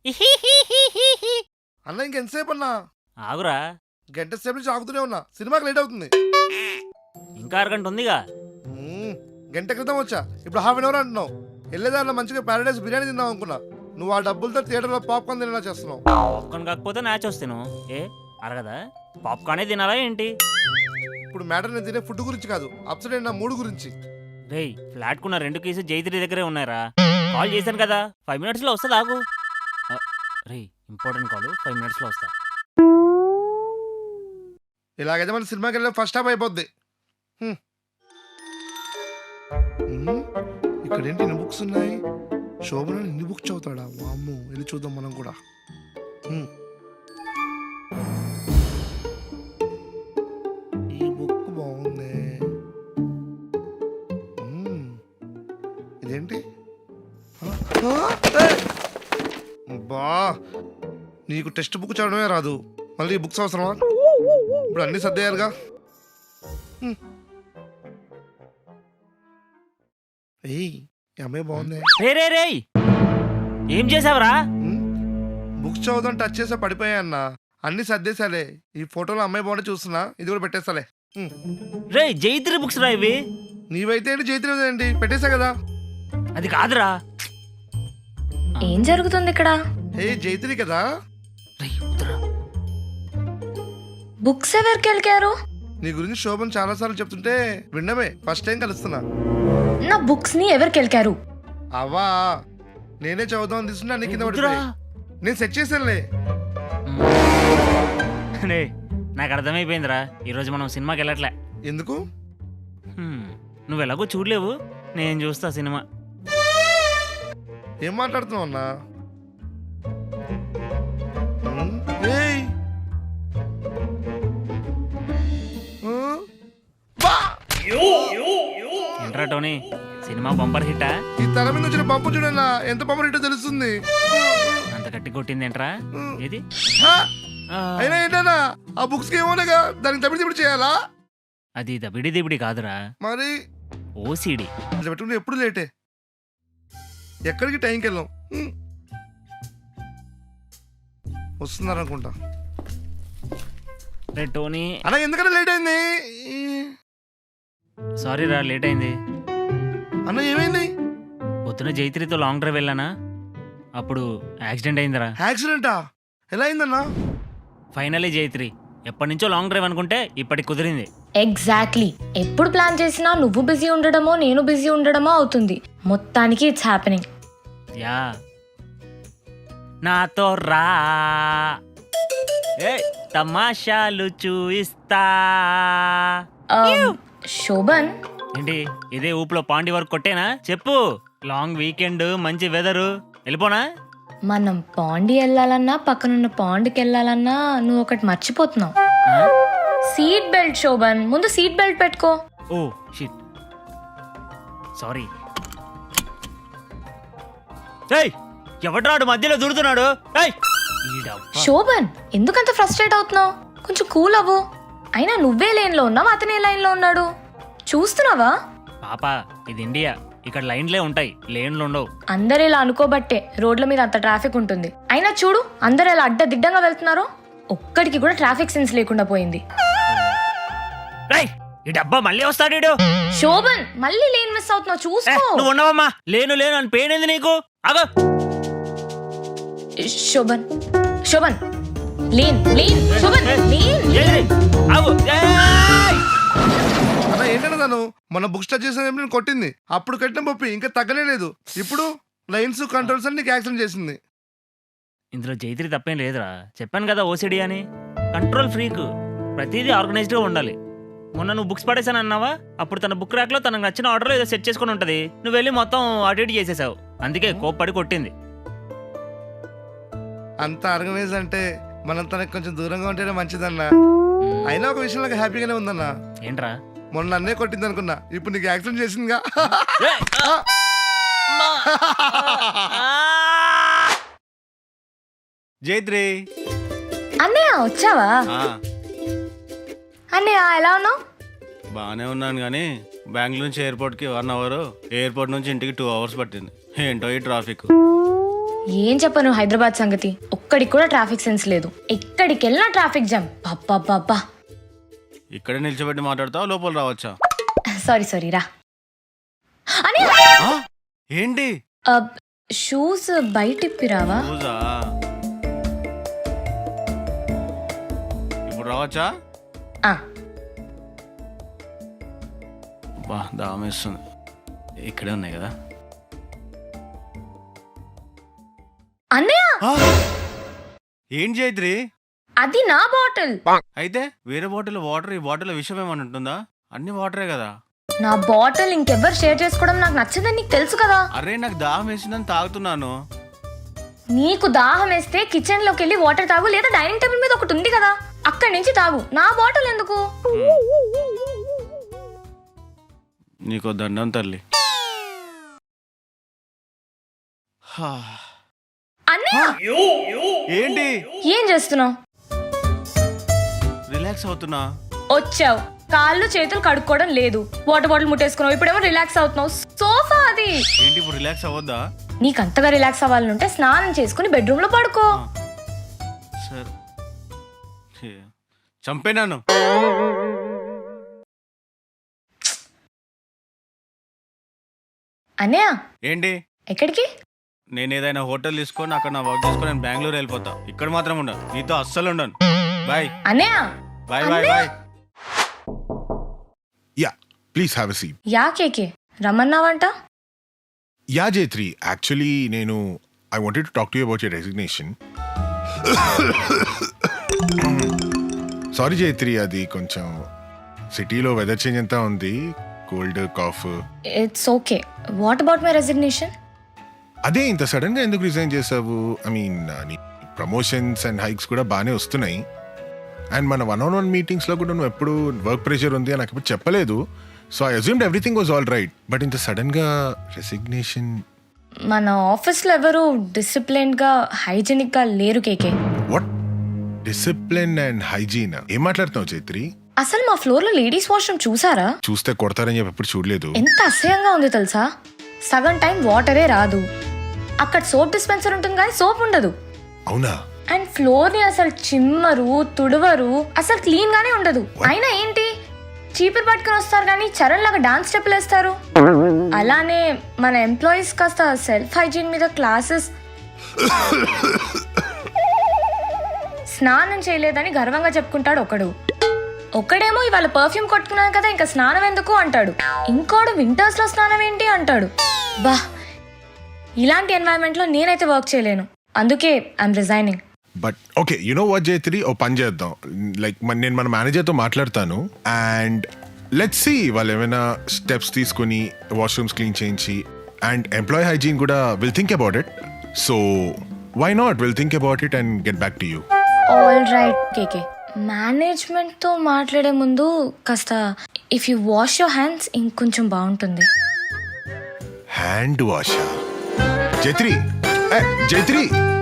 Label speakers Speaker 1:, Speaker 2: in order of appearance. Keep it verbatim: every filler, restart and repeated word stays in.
Speaker 1: అన్న ఇంకెంతసేపు అన్నా?
Speaker 2: ఆగురా,
Speaker 1: గంట సేపు నుంచి ఆగుతూనే ఉన్నా, సినిమాకి లేట్ అవుతుంది.
Speaker 2: ఇంకా అరగంట ఉందిగా.
Speaker 1: మ్మ్, గంట క్రితం వచ్చా, ఇప్పుడు హాఫ్ అన్ అవర్ అంటున్నావు. వెళ్ళేదారిలో మంచిగా ప్యారడైస్ బిర్యానీ తిందాం అనుకున్నా, నువ్వు ఆ డబ్బులతో థియేటర్లో పాప్కార్న్ తినేలా చేస్తున్నావు.
Speaker 2: పాప్కార్న్ కాకపోతే మ్యాచ్ వస్తాను. ఏ అరగదా? పాప్కార్నే తినాలా ఏంటి?
Speaker 1: ఇప్పుడు మ్యాటర్ నేను తినే ఫుడ్ గురించి కాదు, అప్సెట్ అయిన నా మూడు గురించి.
Speaker 2: రేయ్, ఫ్లాట్ కున్న రెండు కేసు జైత్రి దగ్గరే ఉన్నాయరా. కాల్ చేశాను కదా, ఫైవ్ మినిట్స్లో వస్తుంది. ఆగు. రేయ్, ఇంపార్టెంట్ కాల్, ఫైవ్ మినిట్స్లో వస్తా.
Speaker 1: ఇలాగైతే మన సినిమాకి వెళ్ళే ఫస్ట్ హాఫ్ అయిపోద్ది. హ్మ్. మ్మ్, ఇక్కడ ఏంటి ఇన్ని బుక్స్ ఉన్నాయి? శోభన ఇన్ని బుక్స్ చదువుతాడా? వామ్మో, వెళ్ళి చూద్దాం మనం కూడా. మ్మ్. ఈ బుక్ బాగుంది. మ్మ్. ఇదేంటి? ఆ, ఆ, ఏయ్! బా, నీకు టెక్స్ట్ బుక్ చదవడమే రాదు, మళ్ళీ ఈ బుక్స్ అవసరమా? ఇప్పుడు అన్ని సర్దేయారుగా. హ్మ్. ఏయ్, ఈ అమ్మాయి బాగుంది.
Speaker 2: రే రే రేయ్, ఏం చేసావురా?
Speaker 1: హ్మ్? బుక్స్ చదువుదాం టచ్ చేసా పడిపోయా అన్న, అన్ని సర్దేశాలే. ఈ ఫోటోలో అమ్మాయి బాగుంటే చూస్తున్నా, ఇది కూడా పెట్టేస్తాలే. హ్మ్.
Speaker 2: రేయ్, జైత్రి బుక్స్ రా ఇవి.
Speaker 1: నీవైతే ఏంటి, జైత్రి ఏంటి, పెట్టేశా కదా.
Speaker 2: అది కాదురా.
Speaker 3: ఏం జరుగుతుంది ఇక్కడ?
Speaker 1: ఏ జైత్రి కదా.
Speaker 2: రేయ్, వద్దురా.
Speaker 3: బుక్స్ ఎవరికి వెళ్ళారు?
Speaker 1: నీ గురించి శోభన్ చాలా సార్లు చెప్తుంటే విన్నమే, ఫస్ట్ టైం కలుస్తున్నా.
Speaker 3: నా బుక్స్ ని ఎవరికి వెళ్ళారు?
Speaker 1: అవా, నేనే చదువుదాం తీసుకున్నా, నీ కింద
Speaker 2: వద్దురా.
Speaker 1: పడిపోయి నేను సెట్ చేశానులే.
Speaker 2: రే, నాకు అర్థమైపోయిందిరా, ఈరోజు మనం సినిమాకి వెళ్ళట్లే.
Speaker 1: ఎందుకు?
Speaker 2: హ్మ్, నువ్వు ఎలాగో చూడలేవు, నేను చూస్తా సినిమా.
Speaker 1: ఏం మాట్లాడుతున్నావు అన్నా? హ్మ్? ఏయ్! ఆ? బా!
Speaker 2: ఏంట్రా టోనీ, సినిమా బంపర్ హిట్టా?
Speaker 1: ఈ తల మీద వచ్చిన పంపు చూడన్నా, ఎంత పంపు హిట్టో తెలుస్తుంది.
Speaker 2: అంత గట్టి కొట్టింది ఏంట్రా? ఏది?
Speaker 1: ఆ!
Speaker 2: ఆ,
Speaker 1: అయినా ఏంటన్నా, ఆ బుక్స్ కి ఏమోనగా దానికి తమిడి తిప్పుడు చేయాలా?
Speaker 2: అది దబిడి దిబిడి కాదురా,
Speaker 1: మరి
Speaker 2: ఓసిడి.
Speaker 1: అట్లా పెట్టుకుంటే ఎప్పుడు లేటే, ఎక్కడికి టైంకి వెళ్ళాం. హ్మ్. వస్తున్నారనుకుంటా.
Speaker 2: రే టోనీ,
Speaker 1: అలా ఎందుకన్నా లేట్ అయింది?
Speaker 2: సారీ రా, లేట్ అయింది.
Speaker 1: అన్న ఏమైంది?
Speaker 2: పొద్దున జైత్రితో లాంగ్ డ్రైవ్ వెళ్ళానా, అప్పుడు యాక్సిడెంట్ అయిందిరా.
Speaker 1: యాక్సిడెంటా? ఎలా అయిందన్నా?
Speaker 2: ఫైనలీ జైత్రి, ఎప్పటి నుంచో లాంగ్ డ్రైవ్ అనుకుంటే ఇప్పటికి కుదిరింది.
Speaker 3: ఎగ్జాక్ట్లీ, ఎప్పుడు ప్లాన్ చేసినా నువ్వు బిజీ ఉండడమో నేను బిజీ ఉండడమో అవుతుంది. మొత్తానికి ఇట్స్ హ్యాపెనింగ్.
Speaker 2: యా, నాతో రా, ఏ తమాషాలు చూయిస్తా.
Speaker 3: శోభన్,
Speaker 2: ఏంటి ఇదే ఊపులో పాండి వరకు కొట్టేనా? చెప్పు. లాంగ్ వీకెండ్, మంచి వెదరు, వెళ్ళిపోనా?
Speaker 3: మనం పాండి వెళ్ళాలన్నా పక్కనున్న పాండ్కి వెళ్ళాలన్నా నువ్వు ఒకటి మర్చిపోతున్నావు.
Speaker 2: ఆ?
Speaker 3: Seat belt. శోభన్, ముందు సీట్ బెల్ట్ పెట్టుకో.
Speaker 2: Oh shit, sorry. ఏయ్, ఎవడ్రాడు మధ్యలో దూరుతున్నాడు? ఏయ్, ఈడబ్బా.
Speaker 3: శోభన్, ఎందుకంత ఫ్రస్ట్రేట్ అవుతున్నావు? కొంచెం కూల్ అవ్వు. అయినా నువ్వే లైన్ లో ఉన్నావు, అతనే లైన్ లో ఉన్నాడు, చూస్తున్నావా?
Speaker 2: పాపా, ఇది ఇండియా, ఇక్కడ లైన్లే ఉంటాయి, లేన్లు ఉండవు.
Speaker 3: అందరు ఇలా అనుకోబట్టే రోడ్ల మీద అంత ట్రాఫిక్ ఉంటుంది. అయినా చూడు, అందరు ఎలా అడ్డదిడ్డంగా వెళ్తున్నారో. ఒక్కడికి కూడా ట్రాఫిక్ సెన్స్ లేకుండా పోయింది.
Speaker 2: రేయ్, ఈ డబ్బా మళ్ళీ వస్తాడు ఈడు.
Speaker 3: శోభన్, మళ్ళీ లేన్ మిస్ అవుతున్నావు,
Speaker 2: ఏ,
Speaker 3: చూసుకో.
Speaker 2: నువ్వు ఉన్నావమ్మా. లేను లేను అని పెయిన్ ఏంది నీకు? ఆగో.
Speaker 3: శోభన్, శోభన్, లేన్ లేన్ శోభన్, లేన్
Speaker 2: ఏయ్, ఆగు. ఏయ్!
Speaker 1: అన్న ఏంటన్నా తను మన బుక్ స్టార్ట్ చేసిన నేను కొట్టింది, అప్పుడు కట్టిన పప్పి ఇంకా తగ్గనే లేదు. ఇప్పుడు లైన్స్ కంట్రోల్స్ అని నీకు యాక్సిడెంట్ చేసింది.
Speaker 2: ఇందులో జైత్రి తప్పేం లేదురా, చెప్పాను కదా ఓసిడి అని. కంట్రోల్ ఫ్రీక్, ప్రతిదీ ఆర్గనైజ్డ్గా ఉండాలి. మొన్న నువ్వు బుక్స్ పడేసాను అన్నావా, అప్పుడు తన బుక్ ర్యాక్లో తనకు నచ్చిన ఆర్డర్లో ఏదో సెట్ చేసుకుని ఉంటుంది, నువ్వు వెళ్ళి మొత్తం అటు ఇటు చేసేసావు, అందుకే కోప్పడి కొట్టింది.
Speaker 1: అంత ఆర్గనైజ్ అంటే మనం తనకు కొంచెం దూరంగా ఉంటేనే మంచిదన్నా. అయినా ఒక విషయం నాకు హ్యాపీగానే ఉందన్నా.
Speaker 2: ఏంట్రా?
Speaker 1: మొన్న నన్నే కొట్టింది అనుకున్నా, ఇప్పుడు నీకు యాక్సిడెంట్ చేసిందిగా.
Speaker 2: ఏయ్! అమ్మా! ఆ!
Speaker 4: జైత్రి,
Speaker 3: అన్నయ్య వచ్చావా? అన్నయ్య ఎలా ఉన్నావు?
Speaker 4: బాగానే ఉన్నాను కానీ బెంగళూరు నుంచి ఎయిర్పోర్ట్కి వన్ అవర్, ఎయిర్పోర్ట్ నుంచి ఇంటికి టూ అవర్స్ పట్టింది. ఏంటో ఈ ట్రాఫిక్.
Speaker 3: ఏం చెప్పను హైదరాబాద్ సంగతి. ఒక్కడికి కూడా ట్రాఫిక్ సెన్స్ లేదు. ఎక్కడికి వెళ్ళినా ట్రాఫిక్ జామ్. బాబ్బా.
Speaker 4: ఇక్కడే నిల్చోబెట్టి మాట్లాడతావు, లోపల రావచ్చా?
Speaker 3: సారీ సారీ రా. అని
Speaker 4: ఆ? ఏంటి
Speaker 3: షూస్ బయట ఇప్పిరావా?
Speaker 4: రోజా ఇప్పుడు రావచ్చా?
Speaker 3: ఆ,
Speaker 4: బా దామేస్తుంది. ఇక్కడే ఉన్నాయి కదా.
Speaker 3: అన్నయ్య
Speaker 4: ఆ! ఏంటి జైత్రి?
Speaker 3: అది నా బాటిల్.
Speaker 4: అయితే వేరే బాటిల్ వాటర్, ఈ బాటిల్ విషయం ఏమని ఉంటుందా? అన్ని వాటరే కదా.
Speaker 3: నా బాటిల్ ఇంకెవ్వరు షేర్ చేసుకోవడం నాకు నచ్చదని నీకు తెలుసు కదా.
Speaker 4: అరే నాకు దాహం వేసిందని తాగుతున్నాను.
Speaker 3: నీకు దాహం వేస్తే కిచెన్ లోకి వెళ్ళి వాటర్ తాగు, లేదా డైనింగ్ టేబుల్ మీద ఒకటి ఉంది కదా అక్కడి నుంచి తాగు. నా బాటిల్ ఎందుకు?
Speaker 4: నీకో దండం తల్లి. హా.
Speaker 3: అన్నయ్య
Speaker 4: ఏంటి
Speaker 3: ఏం చేస్తున్నావు?
Speaker 4: రిలాక్స్ అవుతున్నా.
Speaker 3: వచ్చావు, కాళ్ళు చేతులు కడుక్కోవడం లేదు, వాటర్ బాటిల్ ముట్టేసుకున్నావు, ఇప్పుడేమో రిలాక్స్ అవుతున్నావు. సోఫా అది.
Speaker 4: ఏంటి ఇప్పుడు రిలాక్స్ అవ్వద్దా?
Speaker 3: నీకు అంతగా రిలాక్స్ అవ్వాలంటే స్నానం చేసుకుని బెడ్రూమ్ లో పడుకో.
Speaker 4: సరే చంపేనాను.
Speaker 3: అన్నయ్య
Speaker 4: ఏంటి
Speaker 3: ఎక్కడికి?
Speaker 4: నేను ఏదైనా హోటల్ తీసుకొని అక్కడ నా వర్క్ చేసుకొని నేను బెంగళూరు వెళ్ళిపోతా. ఇక్కడ మాత్రం ఉండను, నీతో అస్సలు ఉండను. బాయ్
Speaker 3: అన్నయ్య
Speaker 4: bye bye bye.
Speaker 5: Yeah please have a seat.
Speaker 3: Yeah KK రమ్మన్నావంట?
Speaker 5: యా జైత్రి, యాక్చువల్లీ నేను I wanted to talk to you about your resignation. Sorry Jaitri, అది కొంచెం సిటీలో వెదర్ చేంజ్ అంతా ఉంది, cold cough.
Speaker 3: It's okay. What about my resignation?
Speaker 5: అదే ఇంత sudden గా ఎందుకు రిజైన్ చేసావు? ఐ మీన్ నీ ప్రమోషన్స్ అండ్ హైక్స్ కూడా బాగానే వస్తున్నాయి, అండ్ మన వన్ ఆన్ వన్ మీటింగ్స్ లో కూడా నువ్వు ఎప్పుడు వర్క్ ప్రెషర్ ఉంది అని నాకు ఎప్పుడు చెప్పలేదు. So I assumed everything was all right, but ఇంత సడన్ గా రెసిగ్నేషన్.
Speaker 3: మన ఆఫీస్ లో ఎవరు డిసిప్లిన్ గా హైజీనిక్ గా లేరు KK.
Speaker 5: What? Discipline and hygiene ఏం మాట్లాడుతున్నావు చైత్రి?
Speaker 3: అసలు మా ఫ్లోర్ లో లేడీస్ వాష్రూమ్ చూసారా?
Speaker 5: చూస్తే కొడతారని చెప్పి ఎప్పుడు చూడలేదు.
Speaker 3: ఎంత అసహ్యంగా ఉంది తెలుసా? సగం టైం వాటరే రాదు, అక్కడ సోప్ డిస్పెన్సర్ ఉంటుంది కానీ సోప్ ఉండదు.
Speaker 5: అవునా?
Speaker 3: అండ్ ఫ్లోర్ ని అసలు చిమ్మరు, తుడవరు, అసలు క్లీన్ గానే ఉండదు. అయినా ఏంటి, చీపురు పట్టుకుని వస్తారు కానీ చరణ్ లాగా డాన్స్ స్టెప్లు వేస్తారు. అలానే మన ఎంప్లాయీస్ కాస్త సెల్ఫ్ హైజీన్ మీద క్లాసెస్. స్నానం చేయలేదని గర్వంగా చెప్పుకుంటాడు ఒకడు, ఒకడేమో ఇవాళ పర్ఫ్యూమ్ కొట్టుకున్నాను కదా ఇంకా స్నానం ఎందుకు అంటాడు, ఇంకోడు వింటర్స్ లో స్నానం ఏంటి అంటాడు. బా, ఇలాంటి ఎన్వైరన్మెంట్ లో నేనైతే వర్క్ చేయలేను, అందుకే I'm resigning.
Speaker 5: But okay, you know what Jaitri, ఓ పని చేద్దాం. లైక్ నేను మన మేనేజర్తో మాట్లాడతాను అండ్ లెట్స్ సీ వాళ్ళు ఏమైనా స్టెప్స్ తీసుకొని వాష్రూమ్స్ క్లీన్ చేయించి, అండ్ ఎంప్లాయీ హైజీన్ కూడా will think about it. So why not, will think about it and get back to you.
Speaker 3: All right KK. Management తో మాట్లాడే ముందు కాస్త if you wash your hands ఇంకొంచెం బాగుంటుంది.
Speaker 5: Hand wash జైత్రి, ఏ, జైత్రి